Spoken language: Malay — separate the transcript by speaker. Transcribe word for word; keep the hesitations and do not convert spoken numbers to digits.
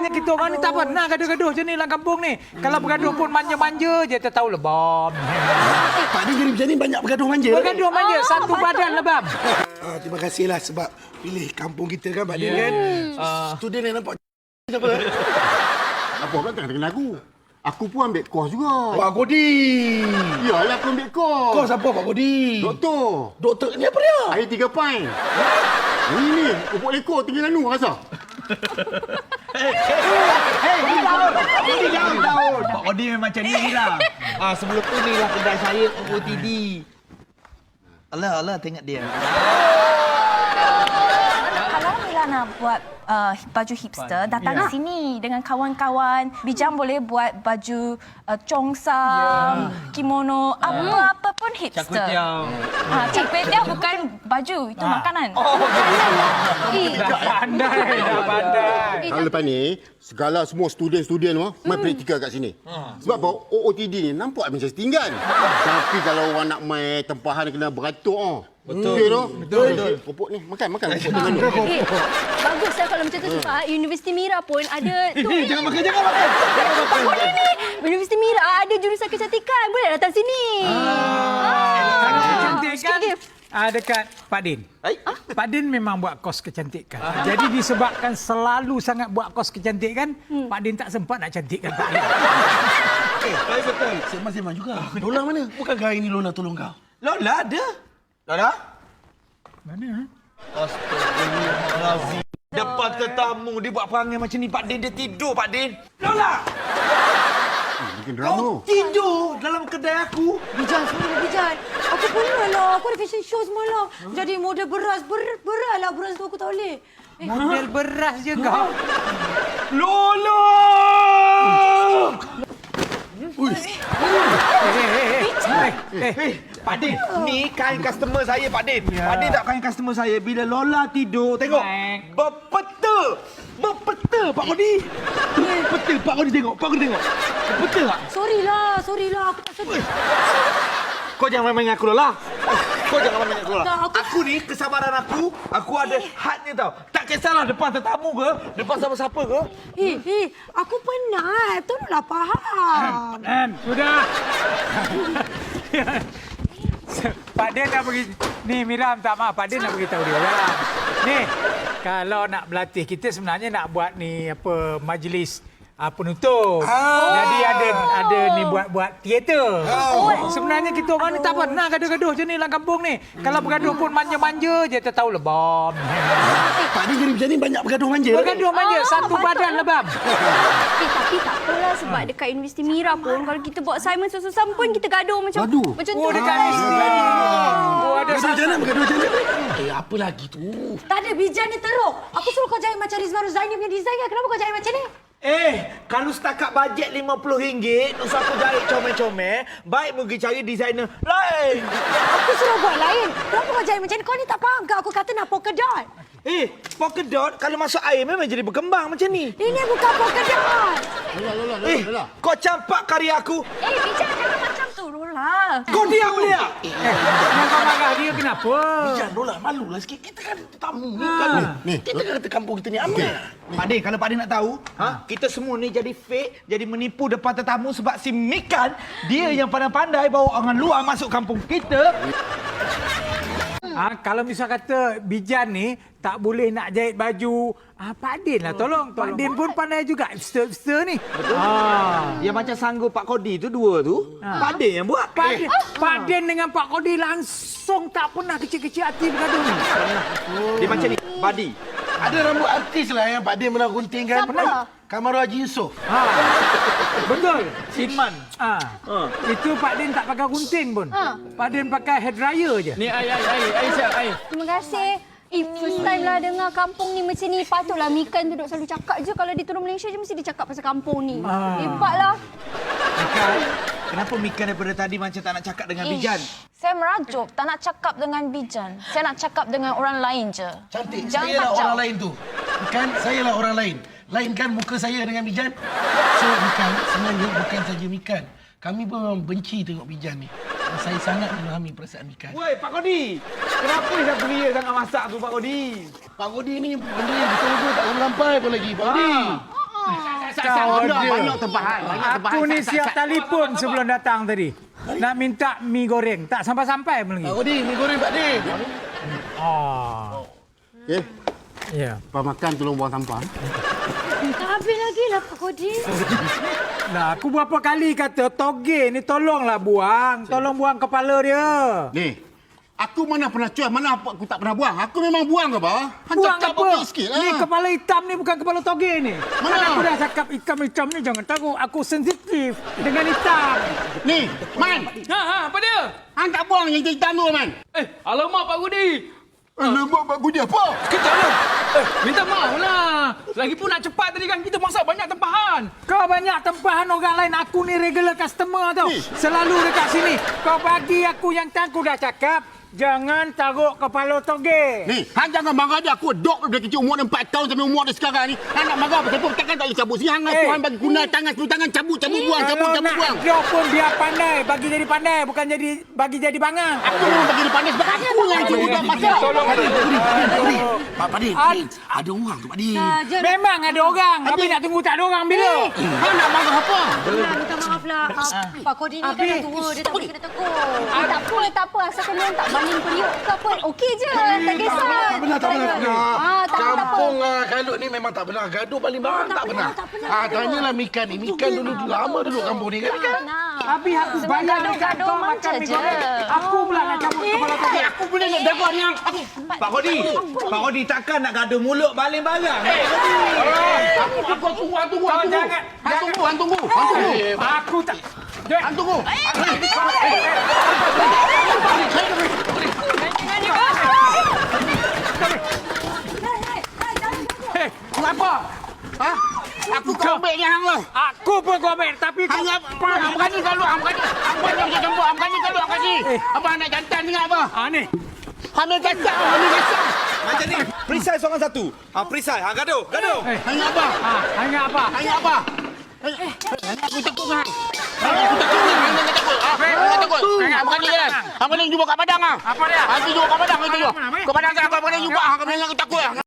Speaker 1: Sebenarnya kita orang ni tak pernah gaduh-gaduh macam ni dalam kampung ni. Kalau bergaduh pun manja-manja je, tak tahu lebam.
Speaker 2: Eh, Pak Din jadi macam ni banyak bergaduh manja.
Speaker 1: Bergaduh manja,
Speaker 3: Ah,
Speaker 1: satu
Speaker 3: betul.
Speaker 1: badan lebam.
Speaker 2: Ah, terima kasihlah sebab pilih kampung kita kan Pak Din
Speaker 1: Yeah.
Speaker 2: kan.
Speaker 1: Ah.
Speaker 2: Student yang nampak siapa?
Speaker 4: Apa pula tak kena aku? Aku pun ambil kos juga.
Speaker 2: Pak Kodi.
Speaker 4: Iyalah aku ambil kos.
Speaker 2: Kau siapa Pak Kodi?
Speaker 4: Doktor.
Speaker 2: Doktor ni apa dia?
Speaker 4: Air tiga pint. Ini ni, upuk lekor tinggal anu rasa.
Speaker 5: Pak Kodi memang macam ni lah. Ah, sebelum tu ni lah kedai saya O O T D. Alah, alah tengok dia.
Speaker 3: Kalau Mila nak buat uh, baju hipster, datang
Speaker 1: Ya.
Speaker 3: ke sini dengan kawan-kawan. Bijang boleh buat baju uh, congsam, kimono, apa-apa pun hipster.
Speaker 5: Char
Speaker 3: Ha, Char kway teow bukan baju, itu makanan. Eh,
Speaker 1: Dah pandai, dah pandai.
Speaker 4: Kalau lepas ni, segala semua student-student tu main praktikal kat sini. Sebab apa? O O T D ni nampak macam setinggan. Tapi kalau orang nak main tempahan kena beratur ah. Betul. Betul tu? Betul. Betul. Popok ni makan makan popok dengan tu.
Speaker 6: Eh, bagus lah kalau macam tu sebab Universiti Mira pun ada tu.
Speaker 5: Eh, jangan makan, jangan makan.
Speaker 6: Pak Kodi ni. Universiti Mira ada jurusan kecantikan. Boleh datang sini.
Speaker 1: Kalau kecantikan
Speaker 6: sikit lagi.
Speaker 1: ah, dekat Pak Din. Pak Din memang buat kos kecantikan. Jadi disebabkan selalu sangat buat kos kecantikan, Pak Din tak sempat nak cantikkan Pak Din.
Speaker 2: Eh, betul. Sembang-sembang juga. Lola mana? Bukankah hari ni Lola tolong kau?
Speaker 5: Lola ada. Lola?
Speaker 1: Mana?
Speaker 5: Astagfirullahalazim. Depan tetamu dia buat perangai macam ni Pak Din, dia tidur Pak Din. Lola!
Speaker 4: Bikin drama.
Speaker 5: Tidur dalam kedai aku.
Speaker 7: Bijan, sebenarnya Bijan. Aku pernah lah. Aku ada fashion show semalam. Jadi model beras. Ber, beras lah beras tu aku tak boleh. Eh,
Speaker 1: Model beras je kau.
Speaker 5: Lola!
Speaker 1: Eh,
Speaker 5: Eh, Pak Din, ni kain customer saya, Pak Din. Pak Din tak kain customer saya. Bila Lola tidur, tengok.
Speaker 1: Baik.
Speaker 5: Berpeta. Berpeta, Pak Kodi. Berpeta, Pak Kodi tengok. Pak Kodi tengok. Berpeta tak?
Speaker 7: sorry lah. Sorry lah. Aku tak sedih.
Speaker 5: Kau jangan main-main dengan aku, Lola. Kau jangan main-main dengan aku, Lola.
Speaker 7: Tak, aku-
Speaker 5: Aku ni, kesabaran aku, aku ada hadnya tau. Tak kisahlah depan tetamu ke, depan siapa-siapa ke.
Speaker 7: Eh, eh. Aku penat. Tolonglah faham.
Speaker 1: Dan sudah. Pak Din nak bagi ni Miram tak maaf Pak Din nak beritahu dia orang. Ni kalau nak berlatih kita sebenarnya nak buat ni apa majlis uh, penutup. Jadi ada ada ni buat-buat teater. Oh. Sebenarnya kita orang ni tak pernah gaduh-gaduh macam ni dalam kampung ni. Kalau bergaduh pun manja-manja je, tak tahu lebam.
Speaker 2: Pak Din jadi macam ni banyak bergaduh manja.
Speaker 1: Bergaduh manja, satu badan lebam.
Speaker 6: Eh, tapi tak apalah sebab dekat Universiti Mira pun kalau kita buat assignment susah-susah pun kita gaduh macam
Speaker 4: Gaduh?
Speaker 6: macam
Speaker 1: Oh,
Speaker 6: tu.
Speaker 1: dekat mesti. Oh, ada
Speaker 2: Bergaduh macam mana? Bergaduh macam mana? Eh, apa lagi tu?
Speaker 7: Tak ada. Bijan ni teruk. Aku suruh kau jahit macam Rizwan Zaini punya design kan. Kenapa kau jahit macam ni?
Speaker 5: Eh, kalau setakat bajet lima puluh ringgit, usah aku jahit comel-comel, baik pergi cari designer lain.
Speaker 7: Aku suruh buat lain. Kenapa kau jahit macam ni? Kau ni tak faham ke? Aku kata nak polka dot.
Speaker 5: Eh, polka dot kalau masuk air memang jadi berkembang macam ni.
Speaker 7: Ini bukan polka dot.
Speaker 4: Lola, Lola, Lola,
Speaker 5: Eh,
Speaker 4: Lola.
Speaker 5: kau campak karya aku.
Speaker 6: Eh, Bijan jangan macam tu, Lola.
Speaker 5: Kau diam dia.
Speaker 1: Eh, yang kau marah dia kenapa?
Speaker 2: Bijan, Lola, malulah sikit. Kita kan tamu ni kan.
Speaker 4: Ni,
Speaker 2: Kita kan kata kampung kita ni aman.
Speaker 5: Pak Din, kalau Pak Din nak tahu, ha, kita semua ni jadi fake, jadi menipu depan tetamu sebab si Mikan, dia yang pandai-pandai bawa orang luar masuk kampung kita.
Speaker 1: Ah, kalau misal kata Bijan ni tak boleh nak jahit baju, ah, Pak Din lah tolong. Pak Din pun pandai juga hipster-hipster ni. Betul. Ah.
Speaker 5: Yang macam sanggup Pak Kodi tu dua tu, Pak Din yang buat.
Speaker 1: Pak Din, Pak Din dengan Pak Kodi langsung tak pernah kecil-kecil hati bergaduh ni.
Speaker 5: Dia macam ni, Badi.
Speaker 2: Ada rambut artis lah yang Pak Din pernah gunting kan.
Speaker 6: Siapa?
Speaker 2: Kamaru Haji Yusof.
Speaker 1: Ha. Betul.
Speaker 5: Sinman.
Speaker 1: Ah. Itu Pak Din tak pakai gunting pun.
Speaker 6: Ha.
Speaker 1: Pak Din pakai hair dryer je.
Speaker 5: Ni ai ai ai ai siap ai.
Speaker 6: Terima kasih. Eh, first time lah dengar kampung ni macam ni. Patutlah Mikan tu duk selalu cakap je. Kalau dia turun Malaysia je mesti dia cakap pasal kampung ni.
Speaker 1: Ah.
Speaker 6: Hebatlah.
Speaker 5: Mikan, kenapa Mikan daripada tadi macam tak nak cakap dengan Bijan?
Speaker 3: Saya merajuk, tak nak cakap dengan Bijan. Saya nak cakap dengan orang lain je.
Speaker 2: Cantik.
Speaker 3: Jangan
Speaker 2: Saya lah
Speaker 3: kacau.
Speaker 2: orang lain tu. Bukan, saya lah orang lain. Lain kan muka saya dengan Bijan. So, Mikan, sebenarnya bukan saja Mikan. Kami pun memang benci tengok Bijan ni. Dan saya sangat memahami perasaan Mikan.
Speaker 5: Woi, Pak Kodi. Kenapa dah beria sangat masak tu, Pak Kodi?
Speaker 2: Pak Kodi ni benda yang betul-betul tak boleh sampai pun lagi, Pak Kodi.
Speaker 4: tak salah
Speaker 1: Kau
Speaker 4: dah.
Speaker 1: dia.
Speaker 4: Banyak tempahan. Banyak tempahan.
Speaker 1: Aku ni
Speaker 4: Sat, sat,
Speaker 1: siap
Speaker 4: sat.
Speaker 1: telefon sebelum datang tadi. Nak minta mi goreng. Tak sampai-sampai pun lagi.
Speaker 2: Pak Kodi, mi goreng Pak Di.
Speaker 1: Oh.
Speaker 4: Okey.
Speaker 1: Ya.
Speaker 4: Lepas makan tolong buang sampah.
Speaker 6: Tak habis lagi lah Pak Kodi.
Speaker 1: Nah, aku berapa kali kata toge ni tolonglah buang. Tolong buang kepala dia.
Speaker 4: Ni, aku mana pernah cuai, mana apa aku tak pernah buang. Aku memang buang ke apa? Han
Speaker 1: Buang
Speaker 4: cakap
Speaker 1: apa?
Speaker 4: okey sikit lah.
Speaker 1: Ni kepala hitam ni bukan kepala toge ni.
Speaker 4: Mana?
Speaker 1: Kan aku dah cakap hitam-hitam ni jangan takut. Aku sensitif dengan hitam.
Speaker 4: Ni, Man.
Speaker 8: Ha, ha, apa dia?
Speaker 4: Han tak buang yang hitam tu, Man.
Speaker 8: Eh, alamak Pak Gudi.
Speaker 4: Alamak, Pak Gudi apa?
Speaker 8: Sekejap lah. Eh, minta maaf lah. Lagipun nak cepat tadi kan kita masak banyak tempahan.
Speaker 1: Kau banyak tempahan orang lain. Aku ni regular customer tau.
Speaker 4: Ni.
Speaker 1: Selalu dekat sini. Kau bagi aku yang tak aku dah cakap. Jangan taruh kepala toge.
Speaker 4: Ni, Han jangan marah dia. Aku dok dari kecil umur dia empat tahun sampai umur dia sekarang ni. Han nak marah apa? Takkan tak boleh cabut sini. Han
Speaker 1: Eh.
Speaker 4: aku Han bagi guna tangan, sepuluh tangan cabut, cabut buang, cabut,
Speaker 1: Kalau
Speaker 4: cabut
Speaker 1: nak
Speaker 4: buang.
Speaker 1: job pun biar pandai. Bagi jadi pandai. Bukan jadi bagi jadi bangang.
Speaker 4: Aku memang bagi dia pandai sebab aku yang cuba buat masak.
Speaker 1: Tolong.
Speaker 2: Pak Di, Pak Di, Pak Di. Pak Pak Di, Pak Di.
Speaker 1: Ad-
Speaker 2: Ada orang tu Pak Di.
Speaker 7: Saja.
Speaker 1: Memang ada orang. Tapi nak tunggu tak ada orang bila?
Speaker 4: Han nak marah apa?
Speaker 7: Nah, minta maaf lah. Ah, Pak Kodi ni kan dah tua. Dia tak boleh kena tegur.
Speaker 6: Ah, tak apa, tak apa. Asalkan dia tak baling periuk ke apa. Okey je. Tak kisah.
Speaker 2: Tak benar, tak benar, tak benar.
Speaker 6: Ah, tak apa, tak apa.
Speaker 2: Kampung ah, Kalut ni memang tak benar. Gaduh paling barang tak benar. Ah, tanyalah Mikan ni. Mikan dulu lama duduk kampung ni kan. Mikan.
Speaker 1: Habis aku
Speaker 3: Semua
Speaker 1: bayar dekat
Speaker 3: gaduh-gaduh
Speaker 1: kau
Speaker 3: manja
Speaker 1: makan mi
Speaker 3: je.
Speaker 1: goreng. Aku pula nak cabut kepala toge.
Speaker 4: Aku boleh nak jaga ni. Aku
Speaker 5: Pak Kodi, Pak Kodi takkan nak gaduh mulut baling barang.
Speaker 4: aku aku tunggu, Han tunggu, Han
Speaker 1: Kau
Speaker 4: tunggu.
Speaker 1: jangan-
Speaker 4: Han tunggu, Han tunggu. Han tunggu.
Speaker 1: Aku tak... Dek,
Speaker 4: Han tunggu.
Speaker 1: eh, kenapa?
Speaker 4: Ha? Aku kau ambil ni hang lah.
Speaker 1: Aku pun kau ambil. Tapi kau...
Speaker 4: Hang apa? Hang berani kalau hang berani. Hang berani macam campur. Hang berani kalau hang kasi. Apa nak jantan dengan apa?
Speaker 1: Ah, ni.
Speaker 4: Hamil kacau, hamil kacau.
Speaker 5: Macam ni, perisai seorang satu. Ha, perisai. Ha, gaduh, gaduh.
Speaker 1: Eh,
Speaker 4: Hang apa?
Speaker 1: ah, hanya apa?
Speaker 4: Hang apa? Hang aku takut hang. Hang aku takut hang. Hang tak takut. Ah, hang tak takut. Hang berani kan? Hang berani jumpa kat padang ah.
Speaker 1: Apa dia?
Speaker 4: Hang jumpa kat padang itu.
Speaker 1: Mana, mana?
Speaker 4: Kat padang kan hang berani jumpa. Hang berani aku takut.